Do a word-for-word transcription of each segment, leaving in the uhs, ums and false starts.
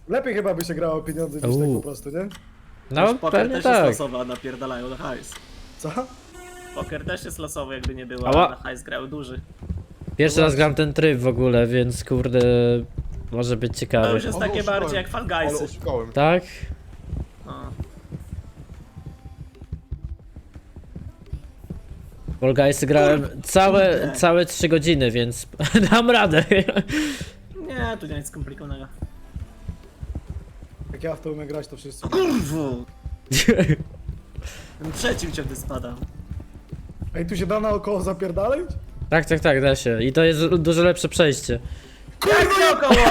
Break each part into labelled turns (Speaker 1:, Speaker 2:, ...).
Speaker 1: Lepiej chyba by się grało o pieniądze niż tak po prostu, nie?
Speaker 2: No,
Speaker 3: Poker
Speaker 2: pewnie
Speaker 3: też
Speaker 2: tak.
Speaker 3: jest losowy, a napierdalają na hajs.
Speaker 1: Co?
Speaker 3: Poker też jest losowy, jakby nie było,
Speaker 2: Ała.
Speaker 3: a na hajs grały duży.
Speaker 2: Pierwszy raz gram ten tryb w ogóle, więc kurde, może być
Speaker 3: To
Speaker 2: ciekawy.
Speaker 3: już jest
Speaker 4: Ale
Speaker 3: takie
Speaker 4: oszukałem.
Speaker 3: bardziej jak Fall
Speaker 4: Ale
Speaker 3: Guysy.
Speaker 4: oszukałem.
Speaker 2: Tak?
Speaker 3: No.
Speaker 2: Fall Guysy grałem całe, całe trzy godziny, więc dam radę.
Speaker 3: Nie, tu nie nic skomplikowanego.
Speaker 1: Jak ja w to umiem grać, to wszyscy.
Speaker 3: Kurwu! Ten trzecim ciągle spada.
Speaker 1: Ej, tu się da naokoło zapierdalać?
Speaker 2: Tak, tak, tak, da się. I to jest dużo lepsze przejście.
Speaker 3: Jak naokoło!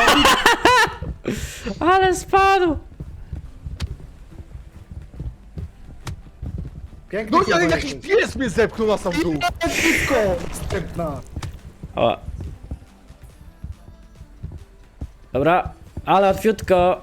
Speaker 2: Ale spadł!
Speaker 1: Piękny
Speaker 4: No ale
Speaker 1: chyba
Speaker 4: jakiś
Speaker 1: jesteś.
Speaker 4: pies mnie zepchnął na sam dół.
Speaker 1: Piwko! Wstępna.
Speaker 2: O. Dobra, ale łatwiutko.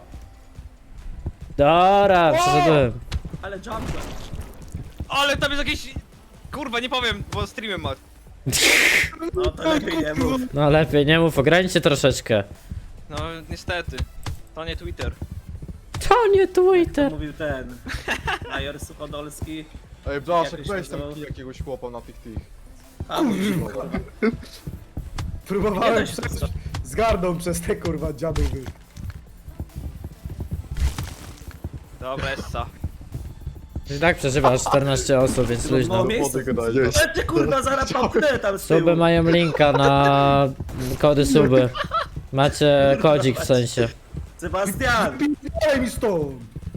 Speaker 2: Dobra, przeszedłem.
Speaker 3: Ale jumper.
Speaker 5: Ale tam jest jakieś... Kurwa, nie powiem, bo streamem ma.
Speaker 3: No to lepiej nie mów.
Speaker 2: No lepiej, nie mów, ogranicz troszeczkę.
Speaker 5: No niestety. To nie Twitter.
Speaker 2: To nie
Speaker 3: To
Speaker 2: Twitter.
Speaker 3: mówił ten. Major Suchodolski.
Speaker 4: Ej, Blaszek,
Speaker 3: Jakoś
Speaker 4: weź
Speaker 3: to
Speaker 4: tam
Speaker 3: było.
Speaker 4: kij jakiegoś chłopa na tych tych.
Speaker 3: A, mówił, kurwa. Nie
Speaker 1: Próbowałem
Speaker 3: da się
Speaker 1: przejść
Speaker 3: tak
Speaker 1: z gardą przez te kurwa dziadowy.
Speaker 5: Dobra, essa.
Speaker 2: I tak przeżywasz czternaście osób, więc
Speaker 3: No,
Speaker 2: luźno.
Speaker 3: miejsce.
Speaker 4: gadać.
Speaker 3: Ale ty kurwa zaraz popnę tam z tyłu.
Speaker 2: Suby mają linka na kody suby. Macie kodzik w sensie.
Speaker 3: Sebastian!
Speaker 1: Daj mi stąd!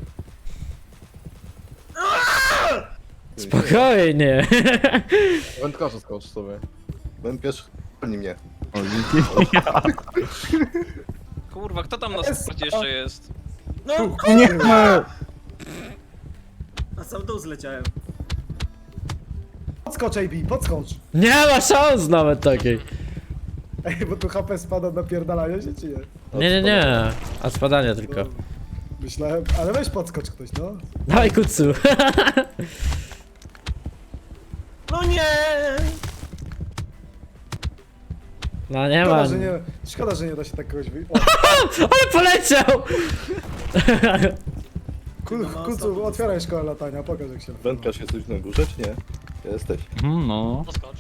Speaker 2: Spokojnie.
Speaker 4: Wędkarza skocz sobie.
Speaker 6: Wędkarz chroni mnie.
Speaker 5: Kurwa, kto tam na sporcie jeszcze jest?
Speaker 3: No
Speaker 1: Nie!
Speaker 3: na sam dół zleciałem.
Speaker 1: Podskocz, A B, podskocz!
Speaker 2: Nie ma szans nawet takiej.
Speaker 1: Ej, bo tu H P spada od napierdalania się, czy nie?
Speaker 2: Nie, nie, nie. A spadanie tylko.
Speaker 1: No, myślałem, ale weź podskocz ktoś, no.
Speaker 2: Dawaj kucu.
Speaker 3: No nie!
Speaker 2: No nie
Speaker 1: Szkoda,
Speaker 2: ma.
Speaker 1: że nie, szkoda, że nie da się tak kogoś wy... O,
Speaker 2: Ale poleciał!
Speaker 1: kul, kulcu, otwieraj szkołę latania, pokaż jak się...
Speaker 6: Wędkarz jesteś na górze, czy nie? Jesteś.
Speaker 7: Mhm, no.
Speaker 5: Poskocz.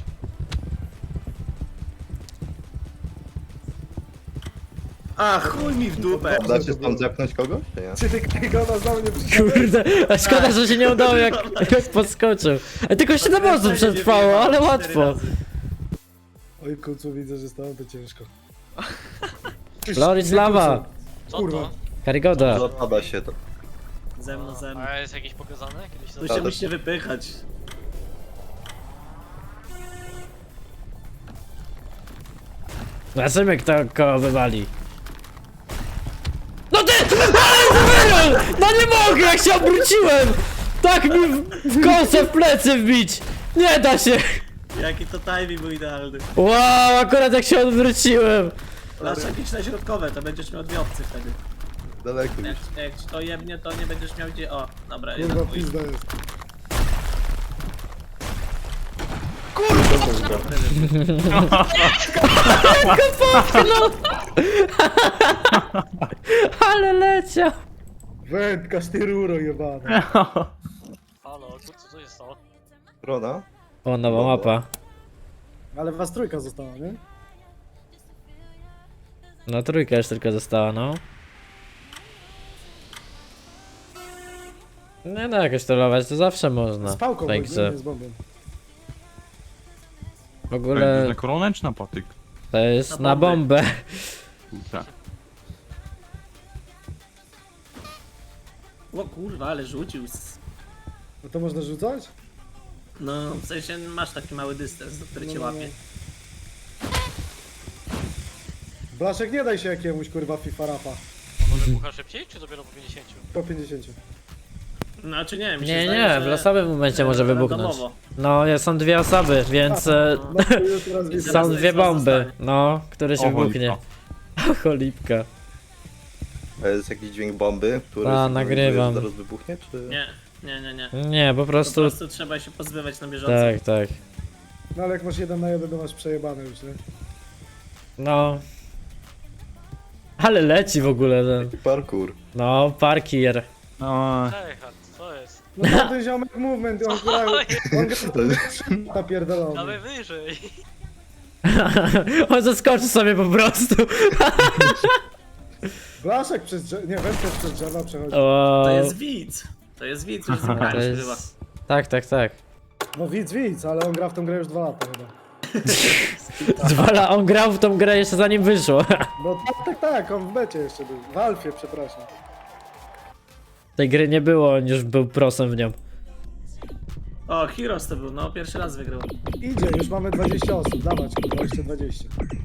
Speaker 3: A chuj mi w dupę!
Speaker 6: Da się tam zepchnąć kogoś, czy nie?
Speaker 1: Czy ty Kajgona znowu nie przyszedłeś?
Speaker 2: Kurde, a szkoda, że się nie udało jak, jak podskoczył. A tylko siedem osób przetrwało, ale łatwo.
Speaker 1: Oj, kulcu, widzę, że stało to ciężko.
Speaker 2: Floris lawa.
Speaker 1: Kurwa.
Speaker 2: Karygoda.
Speaker 6: Zapada się to.
Speaker 3: Ze mną, ze mną.
Speaker 5: A jest jakieś pokazane? Kiedyś to...
Speaker 3: Tu się musicie wypychać.
Speaker 2: Zobaczymy kto kogo wywali. No ty! Ale wybrał! No nie mogę, jak się obróciłem! Tak mi w, w kosę w plecy wbić! Nie da się!
Speaker 3: Jaki to timing był idealny.
Speaker 2: Wow, akurat jak się odwróciłem!
Speaker 3: Masz jakieś na środkowe, to będziesz miał dwie opcje wtedy.
Speaker 6: Daleko
Speaker 3: Jak,
Speaker 6: już.
Speaker 3: jak ci to jebnie, to nie będziesz miał gdzie... O, dobra, jeden
Speaker 1: Kurwa,
Speaker 3: twój.
Speaker 1: pizda jest.
Speaker 2: Ale leciał!
Speaker 1: Wędkarz, ty ruro jebana.
Speaker 5: Halo, kurczę, co jest to?
Speaker 6: Rona?
Speaker 2: O, nowa mapa.
Speaker 1: Ale was trójka została, nie?
Speaker 2: No trójka już tylko została, no. Nie no, jakoś trollować to zawsze można.
Speaker 1: Z pałką,
Speaker 2: w
Speaker 1: bo
Speaker 2: tej
Speaker 1: nie,
Speaker 2: grze.
Speaker 1: nie z bombą.
Speaker 2: W ogóle
Speaker 7: Na koronę czy na patyk?
Speaker 2: to jest
Speaker 3: Na
Speaker 2: na bombę.
Speaker 7: Tak.
Speaker 3: O kurwa, ale rzucił. s-
Speaker 1: No to można rzucać?
Speaker 3: No, w sensie masz taki mały dystans, do który cię
Speaker 1: No, no,
Speaker 3: łapie.
Speaker 1: Blaszek, nie daj się jakiemuś kurwa FIFA rapa.
Speaker 5: Może bucha szybciej, czy dopiero po pięćdziesięciu?
Speaker 1: Po pięćdziesiąt.
Speaker 3: Znaczy nie, mi się
Speaker 2: Nie,
Speaker 3: zdaje,
Speaker 2: nie,
Speaker 3: że
Speaker 2: w losowym momencie
Speaker 3: e,
Speaker 2: może wybuchnąć.
Speaker 3: randomowo.
Speaker 2: No, jest- są dwie osoby, więc e,
Speaker 1: No to już teraz widzę.
Speaker 3: Zaraz
Speaker 2: są dwie
Speaker 3: jest was
Speaker 2: bomby.
Speaker 3: zostanie.
Speaker 2: No, które się
Speaker 7: O,
Speaker 2: wybuchnie.
Speaker 7: cholipka.
Speaker 2: Cholipka.
Speaker 6: A jest jakiś dźwięk bomby, który
Speaker 2: A,
Speaker 6: sygnalizuje,
Speaker 2: nagrywam.
Speaker 6: że zaraz wybuchnie, czy...
Speaker 3: Nie, nie, nie, nie.
Speaker 2: Nie, po
Speaker 3: Po
Speaker 2: prostu.
Speaker 3: prostu trzeba się pozbywać na bieżąco.
Speaker 2: Tak, tak.
Speaker 1: No ale jak masz jeden na jeden, to masz przejebane już, nie?
Speaker 2: No. Ale leci w ogóle ten.
Speaker 6: Parkour.
Speaker 2: No, parkier.
Speaker 7: No,
Speaker 8: Ej, co jest?
Speaker 1: No ten ziomek movement, on gra... On gra... Napierdolony.
Speaker 8: Dawaj wyżej.
Speaker 2: On zaskoczy sobie po prostu.
Speaker 1: Blaszek przez drzewa... Nie, Wędkarz przez drzewa przechodzi.
Speaker 2: O,
Speaker 3: To jest widz. To jest widz, już
Speaker 2: to
Speaker 3: zagraliśmy chyba.
Speaker 2: jest... Tak, tak, tak.
Speaker 1: No widz, widz, ale on gra w tą grę już dwa lata chyba.
Speaker 2: Zwala, on grał w tą grę jeszcze zanim wyszło.
Speaker 1: No tak, tak, tak, on w becie jeszcze był. W Alfie, przepraszam.
Speaker 2: Tej gry nie było, on już był prosem w nią.
Speaker 3: O, Heroes to był, no pierwszy raz wygrał.
Speaker 1: Idzie, już mamy dwadzieścia osób, dawać, kurwa, jeszcze dwadzieścia.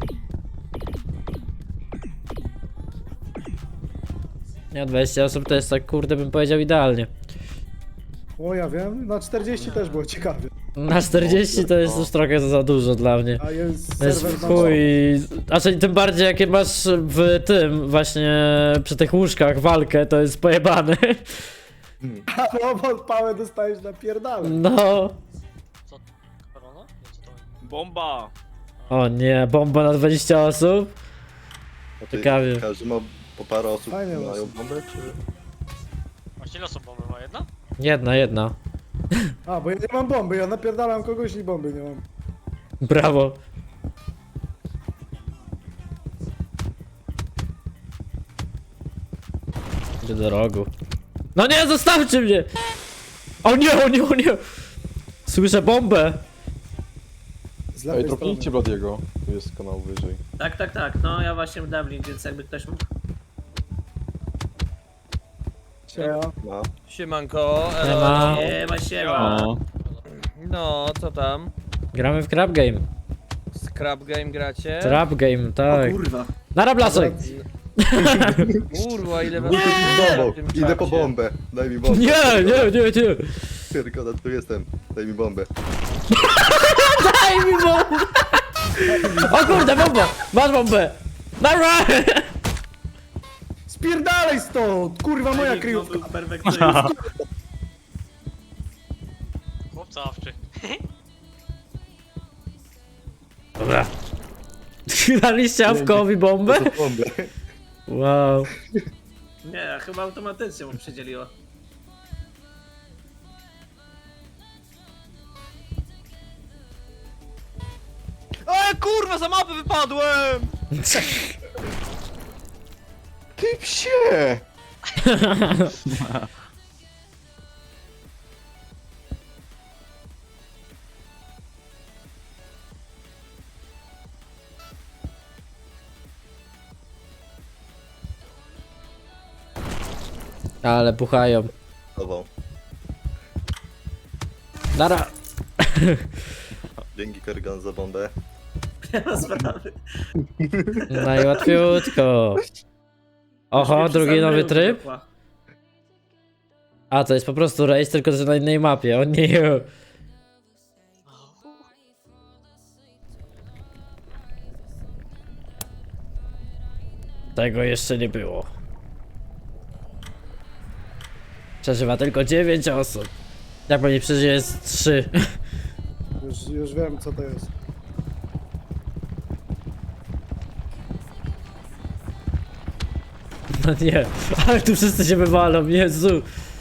Speaker 2: Nie, dwadzieścia osób to jest tak, kurde, bym powiedział idealnie.
Speaker 1: O, ja wiem, na czterdzieści też było ciekawie.
Speaker 2: Na czterdzieści to jest już trochę za dużo dla mnie.
Speaker 1: A jest
Speaker 2: To jest
Speaker 1: serwer
Speaker 2: w
Speaker 1: na
Speaker 2: chuj. Znaczy tym bardziej jakie masz w tym właśnie przy tych łóżkach walkę, to jest pojebane.
Speaker 1: A no, bo pałę dostajesz na pierdale.
Speaker 2: No.
Speaker 8: Co? Korona? Nie, co to jest?
Speaker 5: Bomba!
Speaker 2: O nie, bomba na dwadzieścia osób?
Speaker 6: A ty,
Speaker 2: Ciekawie.
Speaker 6: Każdy ma po parę osób,
Speaker 1: Fajnie
Speaker 6: mają
Speaker 1: los.
Speaker 6: bombę, czy...
Speaker 8: Właśnie ile osób bomby ma? Jedna?
Speaker 2: Jedna, jedna.
Speaker 1: A, bo ja nie mam bomby, ja napierdalam kogoś i bomby nie mam.
Speaker 2: Brawo. Idę do rogu. No nie, zostawcie mnie! O nie, o nie, o nie! Słyszę bombę!
Speaker 1: Z
Speaker 4: Ej,
Speaker 1: lewej
Speaker 4: dropnijcie
Speaker 1: strony.
Speaker 4: Bladiego. Tu jest kanał wyżej.
Speaker 3: Tak, tak, tak, no ja właśnie w Dublin, więc jakby ktoś mógł.
Speaker 1: Sieja.
Speaker 6: Ma.
Speaker 9: Siemanko,
Speaker 2: Nie
Speaker 9: elo.
Speaker 2: ma.
Speaker 3: Nie, ma siema.
Speaker 7: o.
Speaker 9: No, co tam?
Speaker 2: Gramy w crab game.
Speaker 9: Scrap game gracie?
Speaker 2: Trap game, tak.
Speaker 3: Kurwa.
Speaker 2: Nara blasek!
Speaker 9: Kurwa, ile was
Speaker 6: Bombą,
Speaker 9: w tym
Speaker 6: idę po
Speaker 9: czacie.
Speaker 6: bombę. Daj mi bombę.
Speaker 2: Nie, nie, nie, nie!
Speaker 6: Pierkoda, tu jestem. Daj mi bombę.
Speaker 2: Daj mi bombę! O kurde, bomba! Masz bombę! Nara!
Speaker 1: Spierdalaj stąd! Kurwa, moja
Speaker 3: Timing
Speaker 1: kryjówka.
Speaker 3: był perfekcyjny.
Speaker 8: Chłopca awczy.
Speaker 2: Dobra. Daliście Awkowi bombę?
Speaker 6: To bombę.
Speaker 2: Wow.
Speaker 3: Nie, chyba automatycznie mu przydzieliło.
Speaker 5: Ej, kurwa, za mapę wypadłem!
Speaker 4: Ty psie!
Speaker 2: Ale puchają.
Speaker 6: Dobra.
Speaker 2: Nara!
Speaker 6: Dzięki Kerrigan za bombę.
Speaker 3: Nie ma sprawy.
Speaker 2: Najłatwiutko. Oho,
Speaker 3: Już
Speaker 2: drugi
Speaker 3: sam
Speaker 2: nowy
Speaker 3: był,
Speaker 2: tryb?
Speaker 3: wybuchła.
Speaker 2: A, to jest po prostu race, tylko że na innej mapie. O nie. Tego jeszcze nie było. Przeżywa tylko dziewięć osób. Jak pani przeżyje jest trzy.
Speaker 1: Już, już wiem, co to jest.
Speaker 2: No nie, ale tu wszyscy się wywalą, Jezu.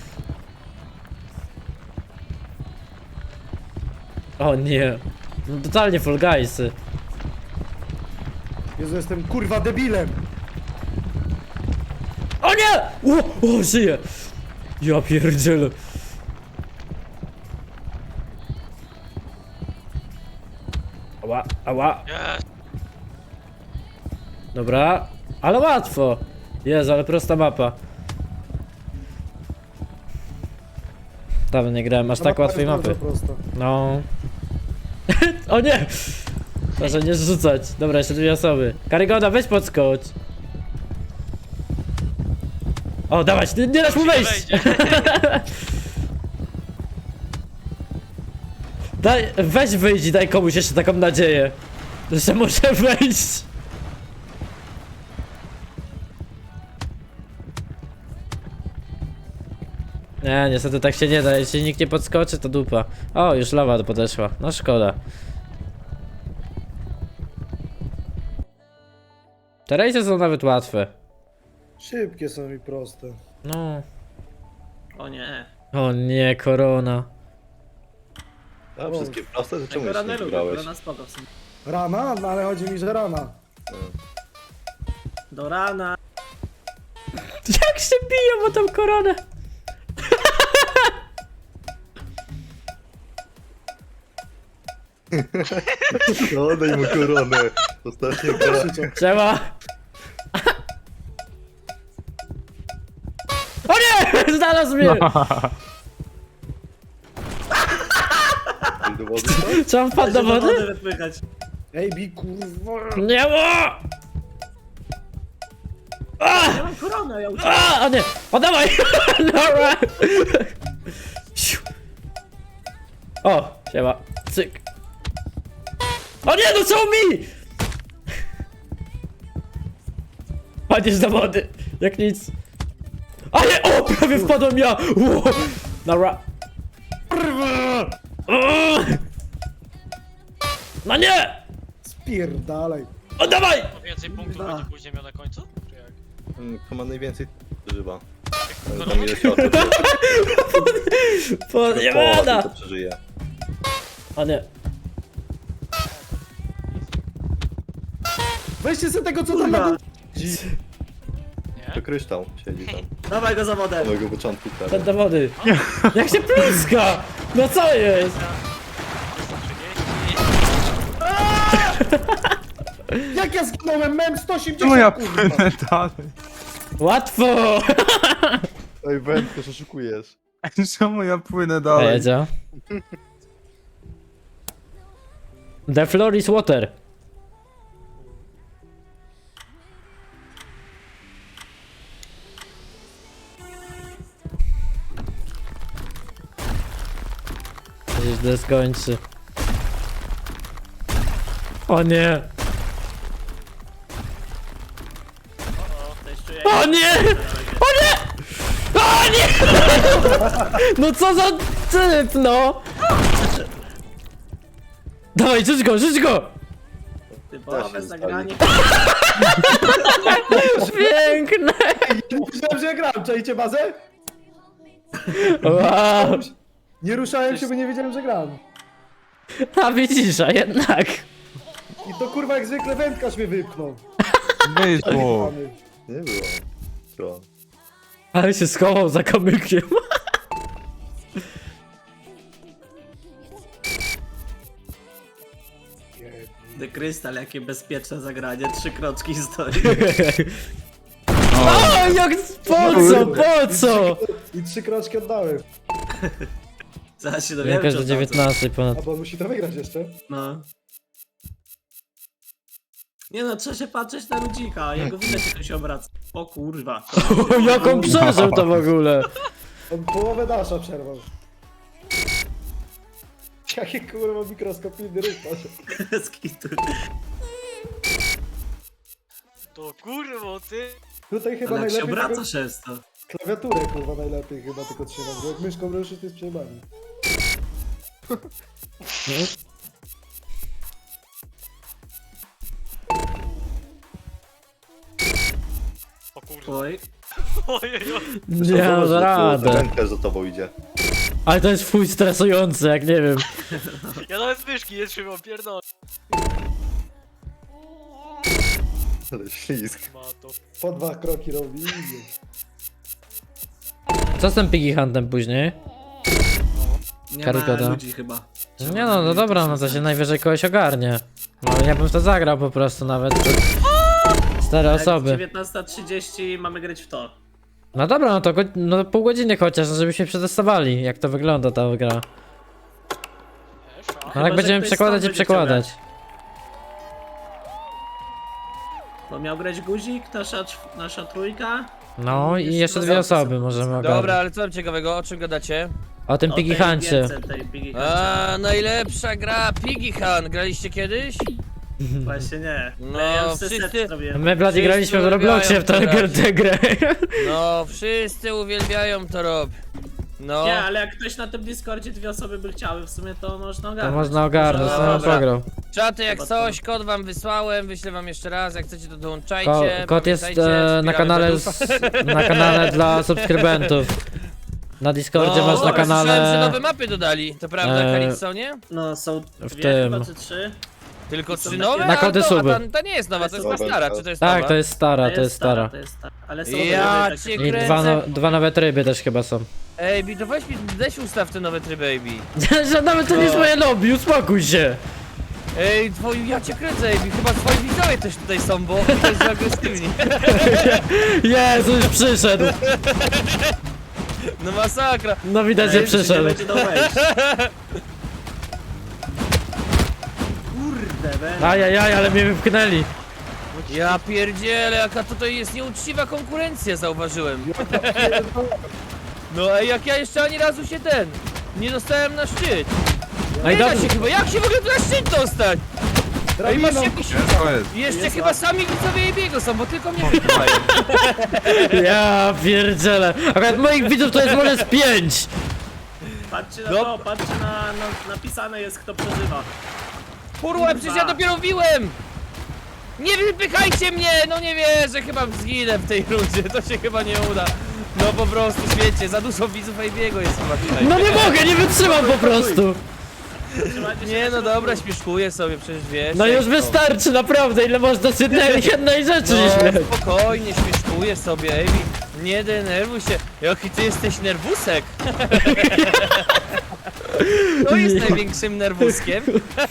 Speaker 2: O nie. No, totalnie Fall Guysy.
Speaker 1: Jezu, jestem kurwa debilem!
Speaker 2: O nie! O, o, żyję! Ja pierdzielę. Ała, ała.
Speaker 8: Jest!
Speaker 2: Dobra, ale łatwo. Jezu, ale prosta mapa. Dawno nie grałem aż
Speaker 1: Ta
Speaker 2: tak
Speaker 1: mapa
Speaker 2: łatwej
Speaker 1: jest
Speaker 2: mapy.
Speaker 1: bardzo prosta.
Speaker 2: No. O nie! Proszę nie zrzucać. Dobra, jeszcze dwie osoby. Karygoda, weź podskocz. O, dawać, nie, nie dasz mu wejść! Daj, weź wyjdź i daj komuś jeszcze taką nadzieję, że może wejść. Nie, niestety tak się nie da, jeśli nikt nie podskoczy, to dupa. O, już lawa podeszła, no szkoda. Te rejsy są nawet łatwe.
Speaker 1: Szybkie są i proste.
Speaker 2: No.
Speaker 3: O nie.
Speaker 2: O nie, korona.
Speaker 6: A wszystkie proste, to czemu
Speaker 3: Tego
Speaker 6: jeszcze
Speaker 3: rana
Speaker 6: nie
Speaker 3: lubię,
Speaker 6: grałeś?
Speaker 3: korona spoko w sumie.
Speaker 1: Rana? No ale chodzi mi, że rana.
Speaker 3: Do rana.
Speaker 2: Jak się biją o tą koronę?
Speaker 6: No, daj mu koronę. Ostatnia gra.
Speaker 2: Trzeba. O nie! Znalazł mnie!
Speaker 6: Do wody, co?
Speaker 2: Czy on wpadł do
Speaker 3: Żeby
Speaker 2: wody?
Speaker 3: wypychać.
Speaker 1: Ej, bi kurwa.
Speaker 2: Nie ma!
Speaker 3: Ja mam koronę, ja uciekam.
Speaker 2: A, o nie! O dawaj! Dobra! Siu. O, siema. Cyk. O nie, no co mi? Padniesz do wody, jak nic. A nie, o, prawie wpadłem ja! Ło. Dobra. No nie!
Speaker 1: Spierdalaj.
Speaker 2: O dawaj!
Speaker 8: To więcej punktów
Speaker 3: Kurwa.
Speaker 8: będzie później miał na końcu? Czy jak?
Speaker 6: Mm, Kto ma najwięcej przeżywa. Ale
Speaker 8: Korona?
Speaker 6: tam ile się osób
Speaker 2: Podjebana!
Speaker 6: to przeżyje.
Speaker 2: O nie.
Speaker 1: Weźcie sobie tego, co tam na dół.
Speaker 6: To kryształ siedzi tam.
Speaker 3: Dawaj go za
Speaker 6: Od
Speaker 3: wodę.
Speaker 6: samego początku prawie.
Speaker 2: Ten do wody. Jak się pluska! No co jest?
Speaker 1: Jak ja zginąłem? Mem sto osiemdziesiąt,
Speaker 7: Czemu ja
Speaker 1: kurwa.
Speaker 7: płynę dalej?
Speaker 2: Łatwo!
Speaker 6: Ej, wędkę, że oszukujesz.
Speaker 7: Czemu ja płynę dalej?
Speaker 2: Jedzie. The floor is water. To źle skończy. O nie!
Speaker 3: Też czuję.
Speaker 2: O nie! O nie! O nie! No co za typ, no! Dawaj, rzuć go, rzuć go!
Speaker 3: Typowe zagranie.
Speaker 2: Piękne!
Speaker 1: Myślałem, że ja grałem. Czajcie bazę?
Speaker 2: Wow!
Speaker 1: Nie ruszałem się, bo nie wiedziałem, że gram.
Speaker 2: A widzisz, a jednak.
Speaker 1: I to kurwa jak zwykle wędkarz mnie wypchnął.
Speaker 7: Wyszło.
Speaker 6: Nie było. Co?
Speaker 2: Ale się schował za kamykiem.
Speaker 3: The Crystal, jakie bezpieczne zagranie. Trzy kroczki stoi.
Speaker 2: O, jak, po co, po co?
Speaker 1: I trzy kroczki oddałem.
Speaker 3: Zaraz się dowiemy,
Speaker 2: Jakoś
Speaker 3: czy
Speaker 2: do
Speaker 3: on
Speaker 2: dziewiętnastej ponad.
Speaker 1: A bo on musi to wygrać jeszcze.
Speaker 3: No. Nie no, trzeba się patrzeć na ludzika, jego widać jak on się obraca. O kurwa.
Speaker 2: O, jak on przeżył to w ogóle.
Speaker 1: On połowę dasza przerwał. Jakie kurwa mikroskopijny ruch masz.
Speaker 3: Z kitu.
Speaker 8: To kurwo, ty!
Speaker 1: Tutaj chyba
Speaker 3: Ale jak się
Speaker 1: najlepiej
Speaker 3: obraca
Speaker 1: tylko
Speaker 3: często.
Speaker 1: klawiaturę kurwa najlepiej chyba tylko trzymać, bo jak myszką ruszysz to jest przejebany.
Speaker 8: O kurwa.
Speaker 3: Oj.
Speaker 8: Ojej,
Speaker 2: Nie mam radę.
Speaker 6: Wędkarz za tobą idzie.
Speaker 2: Ale to jest fuj stresujące, jak nie wiem.
Speaker 8: ja nawet myszki nie trzymam, pierdolę.
Speaker 6: Ale ślizg.
Speaker 8: Ma to.
Speaker 1: Po dwa kroki robi i idzie.
Speaker 2: Co z tym Piggy Huntem później?
Speaker 3: Nie
Speaker 2: Karygoda.
Speaker 3: ma ludzi chyba.
Speaker 2: Nie no, no dobra, no to się najwyżej kogoś ogarnie. No ale ja bym w to zagrał po prostu nawet. Cztery osoby.
Speaker 3: dziewiętnasta trzydzieści mamy grać w to.
Speaker 2: No dobra, no to go, no pół godziny chociaż, żebyśmy przetestowali, jak to wygląda ta gra.
Speaker 8: Wiesz, a?
Speaker 2: No
Speaker 3: Chyba,
Speaker 2: jak
Speaker 3: że
Speaker 2: będziemy
Speaker 3: ktoś
Speaker 2: przekładać
Speaker 3: stąd
Speaker 2: i
Speaker 3: będzie
Speaker 2: przekładać.
Speaker 3: Bo miał grać guzik, nasza, czw- nasza trójka.
Speaker 2: No i jeszcze dwie osoby możemy
Speaker 9: Dobra,
Speaker 2: ogarnąć.
Speaker 9: ale co tam ciekawego? O czym gadacie?
Speaker 2: O tym
Speaker 3: O
Speaker 2: Piggy
Speaker 3: tej
Speaker 2: Huncie.
Speaker 3: gierce, tej Piggy Huncie.
Speaker 9: A, najlepsza gra Piggy Hunt. Graliście kiedyś?
Speaker 3: Właśnie nie.
Speaker 9: No,
Speaker 3: ja już wszyscy
Speaker 9: wszyscy-
Speaker 3: zrobiłem.
Speaker 2: My blady
Speaker 9: Wszyscy
Speaker 2: graliśmy w Robloxie w tę
Speaker 9: uwielbiają
Speaker 2: tę grę.
Speaker 9: No, wszyscy uwielbiają to robić. No.
Speaker 3: Nie, ale jak ktoś na tym Discordzie dwie osoby by chciały, w sumie to można
Speaker 2: To
Speaker 3: ogarnąć.
Speaker 2: można ogarnąć,
Speaker 3: Może-
Speaker 2: no
Speaker 9: dobra.
Speaker 2: pograł.
Speaker 9: Czaty jak
Speaker 3: Chyba
Speaker 9: coś, kod wam wysłałem, wyślę wam jeszcze raz, jak chcecie to dołączajcie.
Speaker 2: Ko kod jest
Speaker 9: pamiętajcie,
Speaker 2: e, na
Speaker 9: wspieramy
Speaker 2: kanale
Speaker 9: Bedufa.
Speaker 2: z, na kanale dla subskrybentów. Na Discordzie
Speaker 9: No,
Speaker 2: masz na
Speaker 9: dobra, słyszałem, że
Speaker 2: kanale.
Speaker 9: nowe mapy dodali, to prawda,
Speaker 2: E,
Speaker 9: Calypsonie?
Speaker 3: No są
Speaker 2: W
Speaker 3: dwie
Speaker 2: tym.
Speaker 3: chyba, czy trzy?
Speaker 9: Tylko
Speaker 3: są
Speaker 9: trzy
Speaker 3: takie-
Speaker 9: nowe?
Speaker 2: Na kody
Speaker 9: A to,
Speaker 2: suby.
Speaker 9: a ta, ta nie jest nowa, to jest ta
Speaker 4: Dobra,
Speaker 9: stara,
Speaker 4: to-
Speaker 9: czy to jest
Speaker 2: Tak,
Speaker 9: nowa?
Speaker 2: to jest stara, to jest stara.
Speaker 3: To jest stara, ale są
Speaker 9: Ja
Speaker 3: nowe,
Speaker 9: cię
Speaker 3: takie-
Speaker 2: I
Speaker 9: kręcę.
Speaker 2: dwa, no, dwa nowe tryby też chyba są.
Speaker 9: Ej, Bi, to weź mi, weź ustaw te nowe tryby, Bi.
Speaker 2: Że nawet to nie jest
Speaker 9: No.
Speaker 2: moje lobby, uspokój się!
Speaker 9: Ej, twoi, ja cię kręcę, Bi, chyba twoi widzowie też tutaj są, bo widać, że agresywni.
Speaker 2: Jezu, już przyszedł!
Speaker 9: No masakra.
Speaker 2: No widać, że
Speaker 3: Ej, czy nie
Speaker 2: przyszedł.
Speaker 3: będzie do wejścia. Kurde, be.
Speaker 2: Ajajaj, ale mnie wypchnęli.
Speaker 9: Ja pierdzielę, jaka tutaj jest nieuczciwa konkurencja, zauważyłem. No ej, jak ja jeszcze ani razu się ten, nie dostałem na szczyt.
Speaker 2: No i
Speaker 9: Nie da
Speaker 2: dobrze.
Speaker 9: się chyba, jak się w ogóle tu na szczyt dostać? Ej, masz jakiś...
Speaker 7: Ciężko jest.
Speaker 9: Jeszcze
Speaker 3: Jest
Speaker 9: chyba
Speaker 3: łatwo.
Speaker 9: sami widzowie biegu są, bo tylko mnie wypychają.
Speaker 2: Ja pierdzielę. Akurat moich widzów to jest może z pięć.
Speaker 3: Patrzcie na
Speaker 9: No.
Speaker 3: to, patrzcie na, na napisane jest kto przeżywa.
Speaker 9: Kurwa, przecież ja dopiero biłem! Nie wypychajcie mnie! No nie wierzę, chyba zginę w tej rundzie, to się chyba nie uda. No po prostu, świecie, za dużo widzów Ejbiego jest chyba tutaj.
Speaker 2: No nie mogę, nie wytrzymam po prostu.
Speaker 3: Trzymajcie się
Speaker 9: Nie
Speaker 3: na
Speaker 9: no
Speaker 3: środku.
Speaker 9: dobra, śmieszkuję sobie, przecież wiesz.
Speaker 2: No
Speaker 9: jak
Speaker 2: już
Speaker 9: to.
Speaker 2: wystarczy, naprawdę, ile można z jednej, jednej rzeczy nie
Speaker 9: No
Speaker 2: śmiać.
Speaker 9: spokojnie, śmieszkuję sobie, Ejbi. Nie denerwuj się. Jaki ty jesteś nerwusek. Kto jest największym nerwuskiem?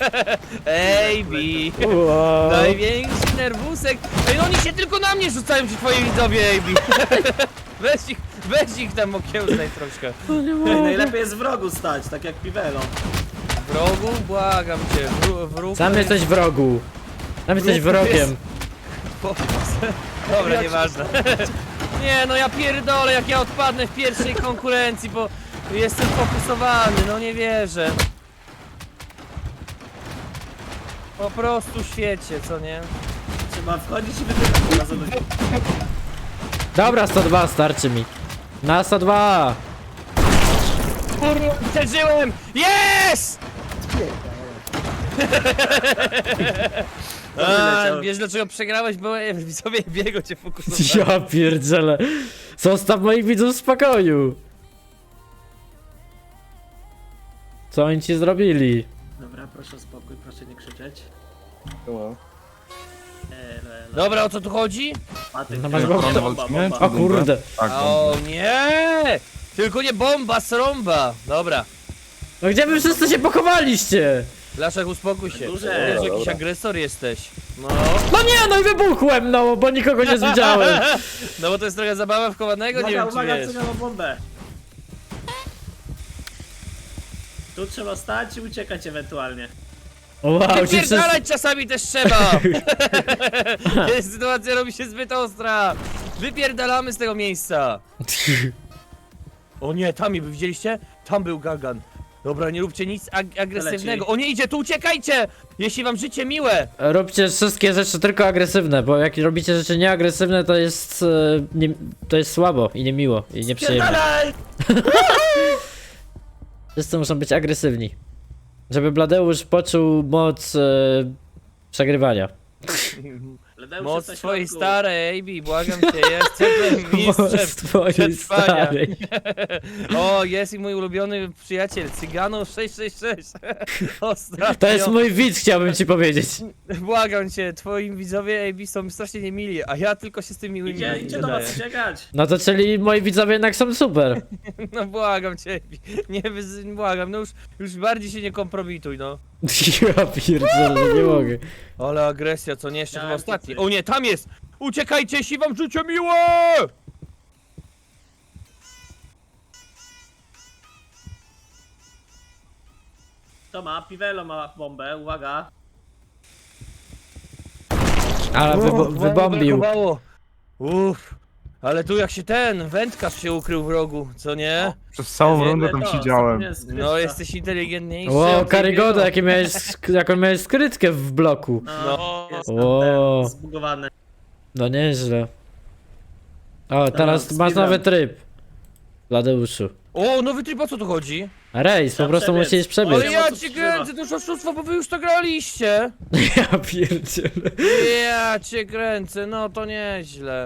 Speaker 9: Ejbi.
Speaker 2: Wow.
Speaker 9: Największy nerwusek. Ej, no oni się tylko na mnie rzucają, ci twoi widzowie, Ejbi. Weź ich, weź ich tam okiełznaj troszkę.
Speaker 3: Ej, najlepiej jest w rogu stać, tak jak Piwelo.
Speaker 9: Wrogu, błagam cię, wró wróg...
Speaker 2: Sam jesteś wrogu. Sam jesteś
Speaker 9: Wróg
Speaker 2: wrogiem.
Speaker 9: jest- Dobra, nieważne. Nie, no ja pierdolę, jak ja odpadnę w pierwszej konkurencji, bo jestem fokusowany, no nie wierzę. Po prostu świecie, co nie?
Speaker 3: Trzeba wchodzić i wypychać razem do siebie.
Speaker 2: Dobra, sto dwa, starczy mi. Na sto dwa.
Speaker 9: Kurwa, przeżyłem! Yes! A,
Speaker 3: wyleciał.
Speaker 9: wiesz dlaczego przegrałeś? Bo e, widzowie biego cię fokusowali.
Speaker 2: Ja pierdzielę. Zostaw moich widzów w spokoju. Co oni ci zrobili?
Speaker 3: Dobra, proszę o spokój, proszę nie krzyczeć.
Speaker 4: No.
Speaker 3: Elo, elo.
Speaker 9: Dobra, o co tu chodzi?
Speaker 3: Matyk,
Speaker 2: No masz
Speaker 3: bomba,
Speaker 2: go-
Speaker 3: bomba,
Speaker 7: walczymy?
Speaker 3: bomba.
Speaker 2: O kurde.
Speaker 7: Tak,
Speaker 9: O nie! Tylko nie bomba, sromba! Dobra.
Speaker 2: No gdzie wy wszyscy się pochowaliście?
Speaker 9: Laszek, uspokój się.
Speaker 3: Duże.
Speaker 9: Wiesz, jakiś
Speaker 4: Dobra.
Speaker 9: agresor jesteś. No.
Speaker 2: No nie, no i wybuchłem, no, bo nikogo nie widziałem.
Speaker 9: No bo to jest trochę zabawa wchowanego, nie
Speaker 3: Uwaga,
Speaker 9: wiem czy
Speaker 3: uwaga,
Speaker 9: wiesz.
Speaker 3: co miała bombę. Tu trzeba stać i uciekać ewentualnie.
Speaker 2: Wow, ci wszyscy...
Speaker 9: Wypierdalać czasami też trzeba! Sytuacja robi się zbyt ostra! Wypierdalamy z tego miejsca! O nie, tam wy widzieliście? Tam był Gagan. Dobra, nie róbcie nic ag agresywnego. O nie, idzie, tu uciekajcie! Jeśli wam życie miłe!
Speaker 2: Róbcie wszystkie rzeczy tylko agresywne, bo jak robicie rzeczy nieagresywne, to jest... e, Nie, to jest słabo i niemiło i nieprzyjemne.
Speaker 3: Pierdalaj!
Speaker 2: Wszyscy muszą być agresywni. Żeby Bladeusz poczuł moc e, przegrywania.
Speaker 3: Bladeusz
Speaker 9: Moc
Speaker 3: jest na
Speaker 9: twojej
Speaker 3: środku.
Speaker 9: starej, Ejbi, błagam cię, jestem mistrzem
Speaker 2: Moc twojej
Speaker 9: przetrwania.
Speaker 2: starej.
Speaker 9: O, jest i mój ulubiony przyjaciel, Cygano sześć sześć sześć. Ostatnio.
Speaker 2: To jest mój widz, chciałbym ci powiedzieć.
Speaker 9: Błagam cię, twoi widzowie A B są strasznie niemili, a ja tylko się z tymi miłymi
Speaker 3: Idzie, idzie do
Speaker 9: dodaję.
Speaker 3: was uciekać.
Speaker 2: No to czyli moi widzowie jednak są super.
Speaker 9: No błagam cię, A B. Nie wyz... błagam, no już, już bardziej się nie kompromituj, no.
Speaker 2: Ja pierdzielę, nie mogę.
Speaker 9: Ale agresja, co nie, jeszcze
Speaker 3: Tak,
Speaker 9: chyba ostatni.
Speaker 3: ty.
Speaker 9: O nie, tam jest! Uciekajcie, jeśli wam życie miłe!
Speaker 3: To ma, Piwelo ma bombę, uwaga.
Speaker 2: Ale wybo wybombił.
Speaker 9: Brakowało. Uff, ale tu jak się ten, wędkarz się ukrył w rogu, co nie?
Speaker 7: Przez całą
Speaker 3: Jest
Speaker 7: rundę
Speaker 3: jedne
Speaker 7: tam
Speaker 3: to,
Speaker 7: siedziałem.
Speaker 3: jest skrytka.
Speaker 9: No, jesteś inteligentniejszy.
Speaker 2: Wow,
Speaker 9: od
Speaker 2: Karygoda,
Speaker 9: tej
Speaker 2: jakie miałeś, sk- jaką miałeś skrytkę w bloku.
Speaker 3: No, jest
Speaker 2: Wow.
Speaker 3: ten zbugowany.
Speaker 2: No nieźle. O, teraz
Speaker 3: z
Speaker 2: masz
Speaker 3: piwem.
Speaker 2: nowy tryb. Bladeuszu.
Speaker 9: O, nowy tryb, o co tu chodzi?
Speaker 2: Rejs, po
Speaker 3: Trzeba
Speaker 2: prostu
Speaker 3: przebiec.
Speaker 2: musisz przebiec.
Speaker 9: Ale
Speaker 3: nie
Speaker 9: ja
Speaker 3: ma co
Speaker 9: cię
Speaker 3: wstrzymać.
Speaker 9: kręcę, to już oszustwo, bo wy już to graliście.
Speaker 2: Ja pierdzielę.
Speaker 9: Ja cię kręcę, no to nieźle.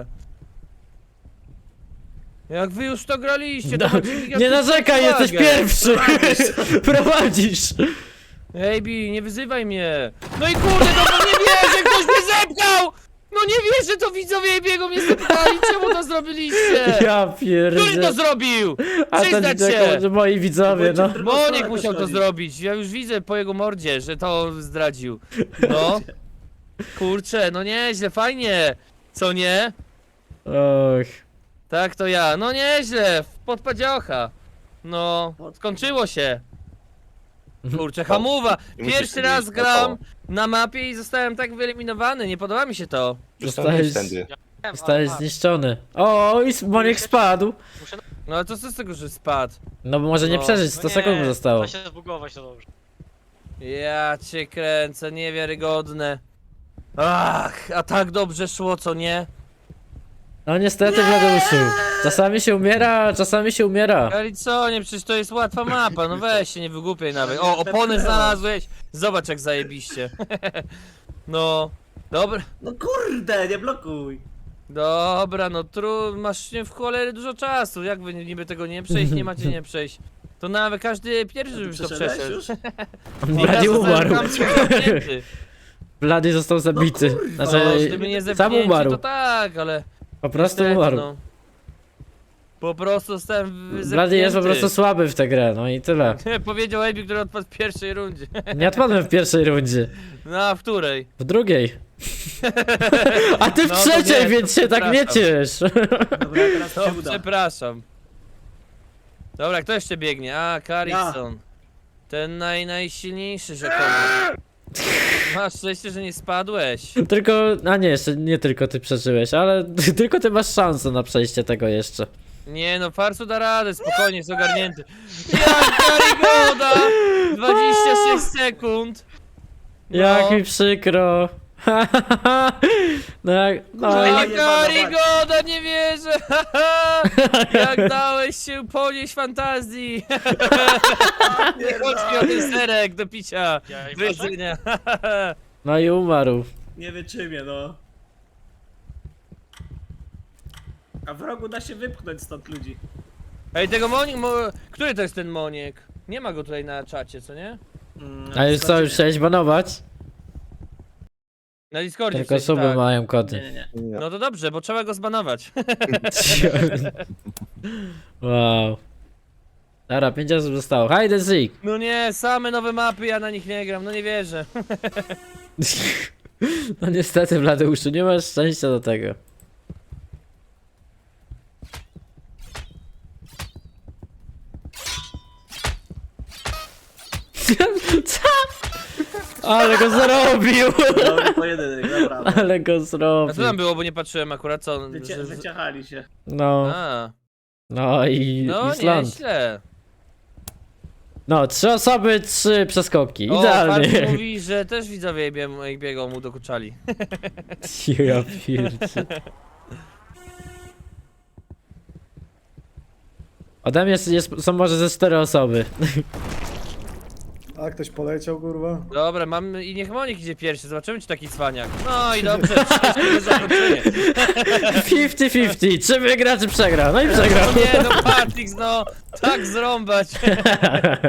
Speaker 9: Jak wy już to graliście, to
Speaker 2: No,
Speaker 9: macie
Speaker 2: nie
Speaker 9: gigantyczną
Speaker 2: narzekaj, jesteś
Speaker 9: przewagę.
Speaker 2: pierwszy! Prowadzisz!
Speaker 9: Ej, Bi, nie wyzywaj mnie. No i kurde, no bo nie wierzę, ktoś mnie zepchał! No nie wierzę, to widzowie Ebiego mnie zepchali, czemu to zrobiliście?
Speaker 2: Ja
Speaker 9: Który to
Speaker 2: pierdzielę.
Speaker 9: zrobił?
Speaker 2: A to
Speaker 9: Przyznać
Speaker 2: nie
Speaker 9: się!
Speaker 2: jako moi widzowie, no.
Speaker 9: Monik musiał to zrobić, ja już widzę po jego mordzie, że to zdradził. No. Kurczę, no nieźle, fajnie. Co nie?
Speaker 2: Och.
Speaker 9: Tak, to ja. No nieźle, podpadziocha. No, skończyło się. Kurczę, hamuwa.
Speaker 4: I musisz
Speaker 9: Pierwszy
Speaker 4: sobie
Speaker 9: raz
Speaker 4: iść
Speaker 9: gram
Speaker 4: naokoło.
Speaker 9: na mapie i zostałem tak wyeliminowany, nie podoba mi się to.
Speaker 2: Zostałeś,
Speaker 4: Tędy.
Speaker 2: zostałeś zniszczony. O, i Monik spadł.
Speaker 9: No ale to co z tego, że spadł?
Speaker 2: No bo może nie
Speaker 9: No,
Speaker 2: przeżyć, sto sekund mu zostało.
Speaker 8: Da się zbugować, to dobrze.
Speaker 9: Ja cię kręcę, niewiarygodne. Ach, a tak dobrze szło, co nie?
Speaker 2: No niestety, Bladeuszu. Czasami się umiera, a czasami się umiera.
Speaker 9: Ale co, nie, przecież to jest łatwa mapa, no weź się, nie wygłupiaj nawet. O, opony znalazłeś, zobacz jak zajebiście. No, dobra,
Speaker 3: No kurde, nie blokuj.
Speaker 9: dobra, no tru, masz nie w cholerę dużo czasu, jak wy niby tego nie przejść, nie macie nie przejść. To nawet każdy pierwszy już to
Speaker 3: Przeszedłeś
Speaker 9: przeszedł.
Speaker 3: już?
Speaker 2: Blady umarł.
Speaker 9: Zamknięty.
Speaker 2: Blady został zabity.
Speaker 3: kurwa,
Speaker 9: No,
Speaker 2: Znaczy,
Speaker 9: gdyby nie
Speaker 2: sam
Speaker 9: zepchnięci,
Speaker 2: umarł.
Speaker 9: to tak, ale
Speaker 2: Po prostu
Speaker 9: niestety,
Speaker 2: umarł.
Speaker 9: no. Po prostu zostałem wy-
Speaker 2: Blady jest po
Speaker 9: zepchnięty.
Speaker 2: prostu słaby w tę grę, no i tyle.
Speaker 9: Powiedział Ebi, który odpadł w pierwszej rundzie.
Speaker 2: Nie odpadłem w pierwszej rundzie.
Speaker 9: No, a w której?
Speaker 2: W drugiej. A ty w
Speaker 9: No to
Speaker 2: trzeciej,
Speaker 9: nie,
Speaker 2: więc
Speaker 9: to
Speaker 2: się tak nie
Speaker 9: przepraszam.
Speaker 2: ciesz.
Speaker 3: Dobra, teraz
Speaker 9: To
Speaker 3: się uda.
Speaker 9: przepraszam. Dobra, kto jeszcze biegnie? A, Carrickson. Ten naj, najsilniejszy rzekomo. Masz szczęście, że nie spadłeś.
Speaker 2: Tylko, a nie, jeszcze nie tylko ty przeżyłeś, ale tylko ty masz szansę na przejście tego jeszcze.
Speaker 9: Nie no, Farsu da radę, spokojnie, jest ogarnięty. Jak Karigoda! dwadzieścia sześć sekund. No.
Speaker 2: Jak mi przykro. No jak, no
Speaker 3: Kurwa,
Speaker 2: i...
Speaker 9: A
Speaker 3: jebana
Speaker 9: Karigoda, nie wierzę! Jak dałeś się ponieść fantazji! Nie chodź mi o ten serek do picia!
Speaker 8: Ja i
Speaker 9: Do jedzenia.
Speaker 2: No i umarł.
Speaker 3: Nie wytrzymie, no. A w rogu da się wypchnąć stąd ludzi.
Speaker 9: Ej, tego Monik, mo... który to jest ten Moniek? Nie ma go tutaj na czacie, co nie?
Speaker 3: Mm,
Speaker 2: A już co, już chciałeś banować?
Speaker 9: Na Discordzie
Speaker 2: Tylko
Speaker 9: w sensie,
Speaker 2: suby
Speaker 9: tak.
Speaker 2: mają
Speaker 3: Nie,
Speaker 2: kody.
Speaker 3: nie, nie.
Speaker 4: Nie.
Speaker 9: No to dobrze, bo trzeba go zbanować.
Speaker 2: Wow. Dobra, pięć osób zostało. Hide and seek.
Speaker 9: No nie, same nowe mapy, ja na nich nie gram, no nie wierzę.
Speaker 2: No niestety, Bladeuszu, nie masz szczęścia do tego. Co? Ale go zrobił!
Speaker 3: Dobry pojedynek, naprawdę.
Speaker 2: Ale go
Speaker 9: A co
Speaker 2: zrobił.
Speaker 9: tam było, bo nie patrzyłem akurat co... on-
Speaker 3: Wycie,
Speaker 9: że-
Speaker 3: wyciachali się.
Speaker 2: No,
Speaker 9: A,
Speaker 2: no i
Speaker 9: no
Speaker 2: Island.
Speaker 9: nieźle.
Speaker 2: No, trzy osoby, trzy przeskoki.
Speaker 9: O,
Speaker 2: Idealnie.
Speaker 9: Farsu mówi, że też widzowie bieg- biegą mu dokuczali.
Speaker 2: Ja pierdzie. Ode mnie jest, jest, są może ze cztery osoby.
Speaker 1: A ktoś poleciał, kurwa?
Speaker 9: Dobra, mam i niech Monik idzie pierwszy, zobaczymy czy taki cwaniak. No i dobrze, szczęśliwe zakończenie.
Speaker 2: pięćdziesiąt pięćdziesiąt. Czy wygra, czy przegra? No i przegrał.
Speaker 9: No nie, no Patrix, no, tak zrąbać.